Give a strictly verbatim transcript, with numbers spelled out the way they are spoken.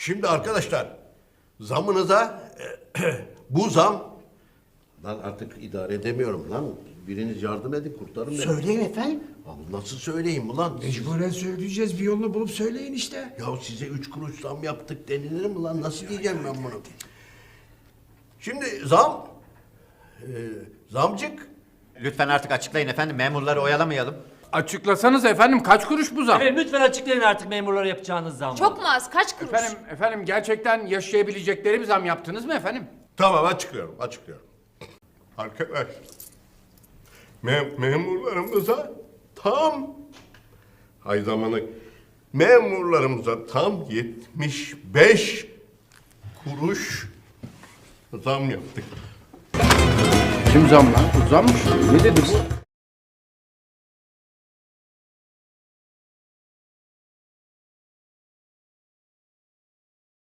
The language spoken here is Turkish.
Şimdi arkadaşlar zamınıza bu zam lan artık idare edemiyorum lan. Biriniz yardım edin kurtarın beni. Söyleyin efendim. Abi nasıl söyleyeyim ulan? Mecburen söyleyeceğiz. Bir yolunu bulup söyleyin işte. Ya size üç kuruş zam yaptık denilir mi lan? Nasıl diyeceğim ben bunu? Şimdi zam, e, zamcık. Lütfen artık açıklayın efendim. Memurları oyalamayalım. Açıklasanız efendim kaç kuruş bu zam? Efendim lütfen açıklayın artık memurlara yapacağınız zammı. Çok mu az? Kaç kuruş? Efendim, efendim gerçekten yaşayabilecekleri bir zam yaptınız mı efendim? Tamam açıklıyorum, açıklıyorum. Arkadaş, me memurlarımıza tam ay zamanı memurlarımıza tam yetmiş beş kuruş zam yaptık. Kim zam lan? Bu zammış. Ne dedi bu?